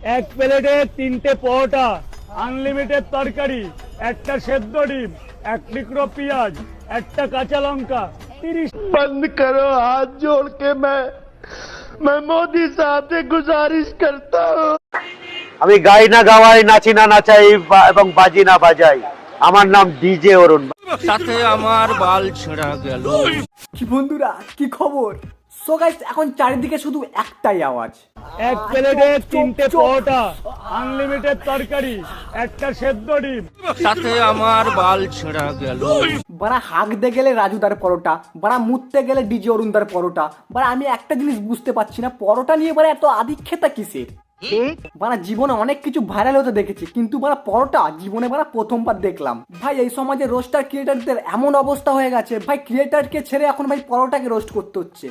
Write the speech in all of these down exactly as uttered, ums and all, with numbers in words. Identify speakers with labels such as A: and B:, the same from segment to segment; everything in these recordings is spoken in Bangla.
A: এক প্লেটে তিনটে পরোটা, আনলিমিটেড তরকারি, একটা সেদ্ধ ডিম, এক টুকরো পেঁয়াজ, একটা কাঁচা লঙ্কা, তিরিশ।
B: बंद करो, हाथ जोड़ के मैं मैं मोदी साहब से गुजारिश करता हूँ।
C: আমি গাই না গাওয়াই, নাচি না নাচাই বা- এবং বাজি না বাজাই। আমার নাম ডিজে অরুণ।
D: সাথে আমার বাল ছেঁড়া গেল।
E: কি বন্ধুরা, কি খবর? সো গাইস, এখন চারিদিকে শুধু একটাই আওয়াজ,
A: এক প্লেটে তিনটে পরোটা, আনলিমিটেড তরকারি, একটা সেদ্ধ ডিম।
D: সাথে আমার বাল ছেঁড়া গেল।
E: বাড়া হাঁকতে গেলে রাজুদার পরোটা, বাড়া মুততে গেলে ডিজে অরুণদার পরোটা। বাড়া আমি একটা জিনিস বুঝতে পারছি না, পরোটা নিয়ে বাড়া এত আধিক্ষেতা কিসের? বাড়া জীবনে অনেক কিছু ভাইরাল হতে দেখেছি, কিন্তু বাড়া পরোটা জীবনে বাড়া প্রথমবার দেখলাম। ভাই এই সমাজে রোস্টার ক্রিয়েটারদের এমন অবস্থা হয়ে গেছে, ভাই ক্রিয়েটারকে ছেড়ে এখন ভাই পরোটাকে রোস্ট করতে হচ্ছে।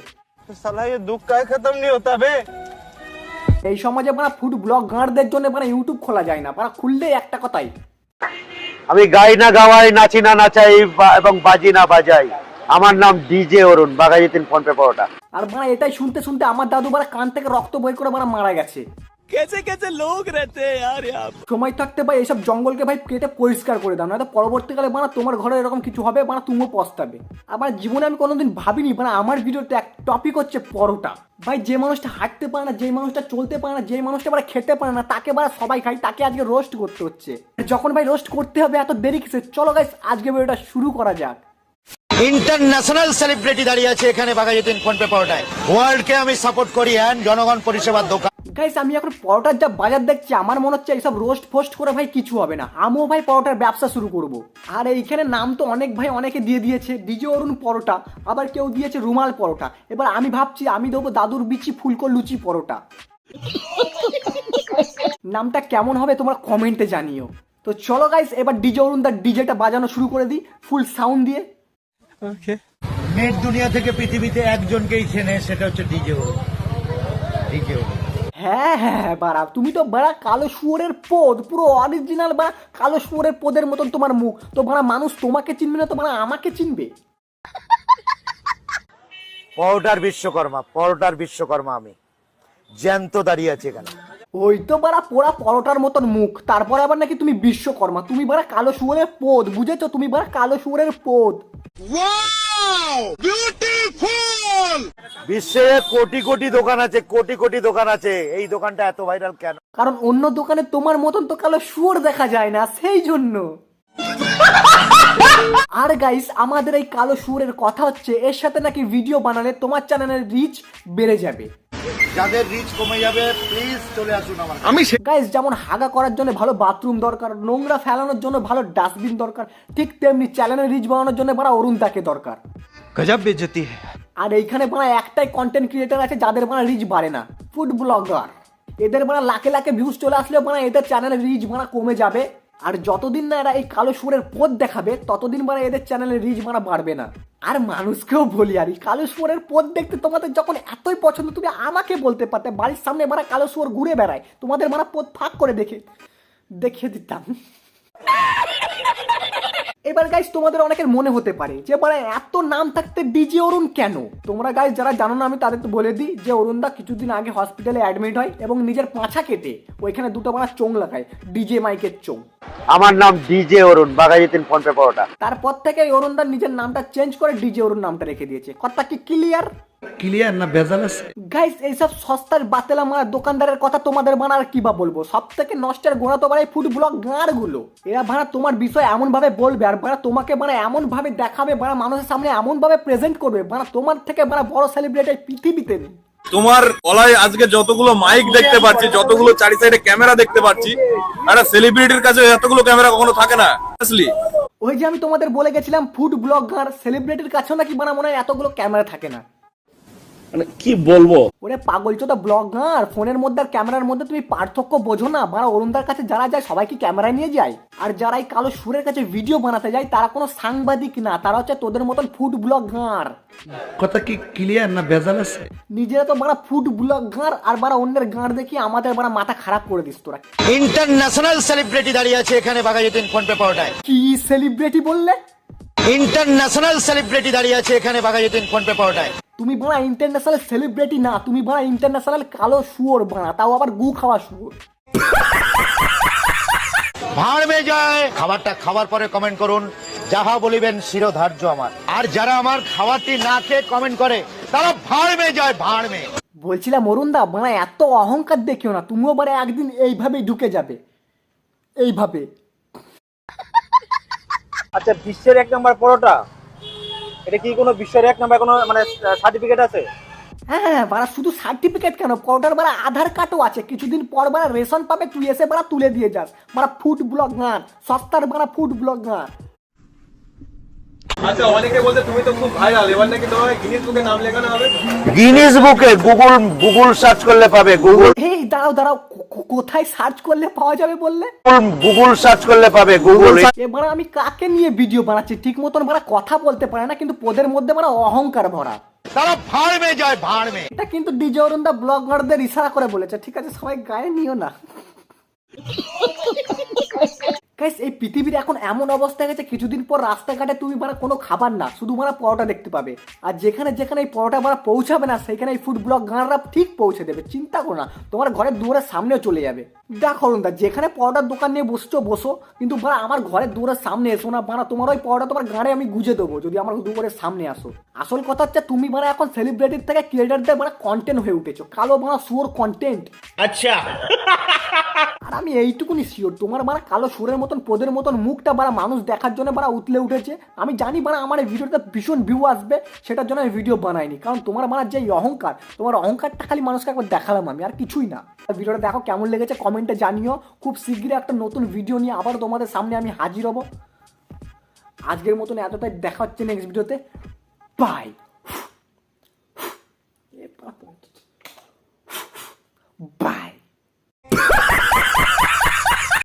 E: এই সমাজে বাড়া ফুড ব্লগ গাঁড়দের জন্য বাড়া ইউটিউব খোলা যায় না, বাড়া খুললেই একটা কথাই,
C: আমি গাই না গাওয়াই, নাচি না নাচাই বা- এবং বাজি না বাজাই। আমার নাম ডিজে অরুণ, বাঘাযতীন ফোন পে পরোটা।
E: আর বাড়া এটাই শুনতে শুনতে আমার দাদু বাড়া কান থেকে রক্ত বই করে বাড়া মারা গেছে।
D: कैसे कैसे लोग रहते हैं यार यहाँ।
E: সময় থাকতে ভাই এইসব জঙ্গলকে ভাই কেটে পরিষ্কার করে দাও, নয়তো পরবর্তীকালে বানা তোমার ঘরে এরকম কিছু হবে, বানা তুমিও পস্তাবে। আবার জীবনে আমি কোনোদিন ভাবিনি বানা আমার ভিডিওতে এক টপিক হচ্ছে পরোটা। ভাই যে মানুষটা হাঁটতে পারে না, যে মানুষটা চলতে পারে না, যে মানুষটা বারা খেতে পারে না, তাকে বারা সবাই খায়, তাকে আজকে রোস্ট করতে হচ্ছে। যখন ভাই রোস্ট করতে হবে এত দেরি কিসে? চলো গাইস আজকে ভিডিওটা শুরু করা যাক।
F: ইন্টারন্যাশনাল সেলিব্রিটি দাঁড়িয়ে আছে এখানে বাঘাযতীন ফোন পে পরোটায়। ওয়ার্ল্ডকে আমি সাপোর্ট করি অ্যান্ড জনগণ পরিষেবার দোকান।
E: গাইস আমি এখন পরোটার যা বাজার দেখছি, আমার মনে হচ্ছে এইসব রোস্ট ফোস্ট করে ভাই কিছু হবে না, আমিও ভাই পরোটার ব্যবসা শুরু করব। আর এইখানে নাম তো অনেক ভাই অনেকে দিয়ে দিয়েছে, ডিজে অরুণ পরোটা, আবার কেউ দিয়েছে রুমাল পরোটা। এবার আমি ভাবছি আমি দেবো দাদুর বিচি ফুলকো লুচি পরোটা। নামটা কেমন হবে তোমরা কমেন্টে জানিও। তো চলো গাইস এবার ডিজে অরুণ তার ডিজেটা বাজানো শুরু করে দিই ফুল সাউন্ড দিয়ে।
F: নেট দুনিয়া থেকে পৃথিবীতে একজনকেই চেনে, সেটা হচ্ছে ডিজে অরুণ। ডিজে অরুণ
E: হ্যাঁ হ্যাঁ হ্যাঁ বাড়া, তুমি তো বাড়া কালো শুয়োরের পোদ, পুরো অরিজিনাল বা কালো শুয়োরের পোদের মতন তোমার মুখ। তো বাড়া মানুষ তোমাকে চিনবে না, তো বাড়া আমাকে চিনবে।
C: পরোটার বিশ্বকর্মা, পরোটার বিশ্বকর্মা আমি জ্যান্ত দাঁড়িয়ে আছি এখানে।
E: ওই তো বাড়া পোড়া পরোটার মতন মুখ, তারপরে আবার নাকি তুমি বিশ্বকর্মা। তুমি বাড়া কালো শুয়োরের পোদ, বুঝেছো? তুমি বাড়া কালো শুয়োরের পোদ।
C: বিশ্বে কোটি কোটি দোকান আছে, কোটি কোটি দোকান আছে, এই দোকানটা এত ভাইরাল কেন?
E: কারণ অন্য দোকানে তোমার মতন তো কালো শুয়োর দেখা যায় না, সেই জন্য। আর গাইস আমাদের এই কালো শুয়োরের কথা হচ্ছে, এর সাথে নাকি ভিডিও বানালে তোমার চ্যানেলের রিচ বেড়ে যাবে।
F: যাদের রিচ কমে যাবে প্লিজ চলে আসুন আমার।
E: আমি গাইস যেমন হাগা করার জন্য ভালো বাথরুম দরকার, নোংরা ফেলানোর জন্য ভালো ডাস্টবিন দরকার, ঠিক তেমনি চ্যানেলের রিচ বানানোর জন্য বাড়া অরুণ তাকে দরকার।
D: गजब बेइज्जती है।
E: আর এইখানে বাড়া একটাই কন্টেন্ট ক্রিয়েটার আছে যাদের বাড়া রিচ বাড়ে না, ফুড ব্লগার। এদের বাড়া লাখে লাখে ভিউজ চলে আসলেও বাড়া এদের চ্যানেলের রিচ বাড়া কমে যাবে। আর যতদিন না এরা এই কালো শুয়োরের পথ দেখাবে, ততদিন বাড়া এদের চ্যানেলের রিচ বাড়া বাড়বে না। আর মানুষকেও বলি, আর এই কালো শুয়োরের পথ দেখতে তোমাদের যখন এতই পছন্দ, তুমি আমাকে বলতে পারতে, বাড়ির সামনে বাড়া কালো শুয়োর ঘুরে বেড়ায়, তোমাদের বাড়া পথ ফাঁক করে দেখে দেখিয়ে দিতাম। এবার গাইস তোমাদের অনেকের মনে হতে পারে যে মানে এত নাম থাকতে ডিজে অরুণ কেন? তোমরা গাইস যারা জানো না, আমি তাদের তো বলে দিই যে অরুণদা কিছুদিন আগে হসপিটালে অ্যাডমিট হয় এবং নিজের পাছা কেটে ওইখানে দুটো মারা চোং লাগায়, ডিজে মাইকের চোং।
C: আমার নাম ডিজে অরুণ, বাঘাযতীন ফোন পে পরোটা।
E: তারপর থেকে অরুণদা নিজের নামটা চেঞ্জ করে ডিজে অরুণ নামটা রেখে দিয়েছে। কথা কি ক্লিয়ার?
B: क्लियर ना बेजाल আছে?
E: গাইস এইসব সস্তার বাতেলা মারা দোকানদারের কথা তোমাদের বানার কি বা বলবো। সব থেকে নষ্টের গোড়া তো বাড়াই ফুড ব্লগ গাঁড় গুলো। এরা ভাড়া তোমার বিষয় এমন ভাবে বলবে, আর ভাড়া তোমাকে বাড়া এমন ভাবে দেখাবে, ভাড়া মানুষের সামনে এমন ভাবে প্রেজেন্ট করবে, ভাড়া তোমার থেকে ভাড়া বড় সেলিব্রিটি পৃথিবীতে নেই।
G: তোমার গলায় আজকে যতগুলো মাইক দেখতে পাচ্ছি, যতগুলো চারি সাইডে ক্যামেরা দেখতে পাচ্ছি, একটা সেলিব্রিটির কাছে এতগুলো ক্যামেরা কখনো থাকে না। আসলে
E: ওই যে আমি তোমাদের বলে গেছিলাম ফুড ব্লগ গাঁড় সেলিব্রিটির কাছেও নাকি বানা মনে হয় এতগুলো ক্যামেরা থাকে না।
A: মানে কি বলবো,
E: ওরে পাগল চোদা ব্লগ গাঁর ফোনের মধ্যে আর ক্যামেরার মধ্যে তুমি পার্থক্য বোঝো না? বাড়া অরুণদার কাছে যারা যায় সবাই কি ক্যামেরা নিয়ে যায়? আর যারা এই কালো সুরের কাছে ভিডিও বানাতে যায় তারা কোনো সাংবাদিক না, তারা হচ্ছে তোদের মতন ফুড ব্লগ গাঁর।
B: কথা কি ক্লিয়ার না বেজাল আছে?
E: নিজেরা তো বাড়া ফুড ব্লগ গাঁর, আর বাড়া অন্যের গাঁর দেখি আমাদের বাড়া মাথা খারাপ করে দিস তোরা।
F: ইন্টারন্যাশনাল সেলিব্রিটি দাঁড়িয়ে আছে এখানে বাঘাযতীন ফোন পে পরোটায়।
E: কি সেলিব্রিটি বললে?
F: ইন্টারন্যাশনাল সেলিব্রিটি দাঁড়িয়ে আছে এখানে বাঘাযতীন ফোন পে পরোটায়।
E: তুমি বাড়া ইন্টারন্যাশনাল সেলিব্রিটি না, তুমি বাড়া ইন্টারন্যাশনাল কালো শুয়োর বাড়া, তাও আবার গু খাওয়া শুয়োর।
F: ভাড় মে যায়। খাবারটা খাওয়ার পরে কমেন্ট করুন, যাহা বলিবেন শিরোধার্য আমার। আর যারা আমার খাবারটি না খেয়ে কমেন্ট করে তারা ভাড় মে যায়, ভাড় মে।
E: বলছিলাম অরুণ দা মানে এত অহংকার দেখিও না, তুমিও মানে একদিন এইভাবেই ঢুকে যাবে, এইভাবে।
H: আচ্ছা, বিশ্বের এক নম্বর পরোটা, এটা কি কোনো বিশ্বের এক নম্বর কোনো মানে সার্টিফিকেট আছে?
E: হ্যাঁ হ্যাঁ বাড়া, শুধু সার্টিফিকেট কেন, পরোটার বাড়া আধার কার্ডও আছে। কিছুদিন পর বাড়া রেশন পাবে, তুই এসে বাড়া তুলে দিয়ে যাস। বাড়া ফুড ব্লগার, সস্তার বাড়া ফুড ব্লগার।
G: আচ্ছা, অনেকে বলতে তুমি তো খুব ভাইরাল, এবার নাকি তোমার গিনিস বুকে নাম লেখানো হবে।
C: গিনিস বুকে গুগল গুগল সার্চ করলে পাবে, গুগল
E: এই দাঁড়াও দাঁড়াও, কো- কো- কোথায় সার্চ করলে পাওয়া যাবে বললে?
C: গুগল সার্চ করলে পাবে, গুগল।
E: এবার আমি কাকে নিয়ে ভিডিও বানাচ্ছি, ঠিক মতন বাড়া কথা বলতে পারে না, কিন্তু পোদের মধ্যে বাড়া অহংকার ভরা।
F: তারা ভাড় মে যায়, ভাড় মে।
E: এটা কিন্তু ডিজে অরুণ দা ব্লগারদের ইশারা করে বলেছে, ঠিক আছে? সবাই গায়ে নিও না। গাইস, এই পৃথিবীর এখন এমন অবস্থা গেছে, কিছুদিন পর রাস্তাঘাটে তুমি মানে কোনো খাবার না, শুধু মানে পরোটা দেখতে পাবে। আর যেখানে যেখানে এই পরোটা মানে পৌঁছাবে না, সেখানে এই ফুড ব্লগ গানরা ঠিক পৌঁছে দেবে। চিন্তা করো না, তোমার ঘরের দুয়ারের সামনেও চলে যাবে। দেখো অরুণ দা, যেখানে পরোটার দোকান নিয়ে বসছো বসো, কিন্তু বাড়া আমার ঘরের দুয়ারের সামনে এসো না। বাড়া তোমার ওই পরোটা তোমার গাড়ে আমি গুজে দেবো যদি আমার দুয়ারের সামনে আসো। আসল কথা হচ্ছে, তুমি মানে এখন সেলিব্রিটির থেকে ক্রিয়েটারদের মানে কন্টেন্ট হয়ে উঠেছো, কালো মানে সুর কন্টেন্ট।
F: আচ্ছা,
E: আর আমি এইটুকুনি শিওর, তোমার বাড়া কালো সুরের মতন পোদের মতন মুখটা বাড়া মানুষ দেখার জন্য বাড়া উতলে উঠেছে। আমি জানি বাড়া আমার এই ভিডিওতে ভীষণ ভিউ আসবে, সেটার জন্য আমি ভিডিও বানাইনি। কারণ তোমার বাড়া যে অহংকার, তোমার অহংকারটা খালি মানুষকে একবার দেখালাম আমি, আর কিছুই না। ভিডিওটা দেখো কেমন লেগেছে কমেন্টে জানিও। খুব শীঘ্রই একটা নতুন ভিডিও নিয়ে আবার তোমাদের সামনে আমি হাজির হব। আজকের মতন এতটাই, দেখা হচ্ছে নেক্সট ভিডিওতে। বাই।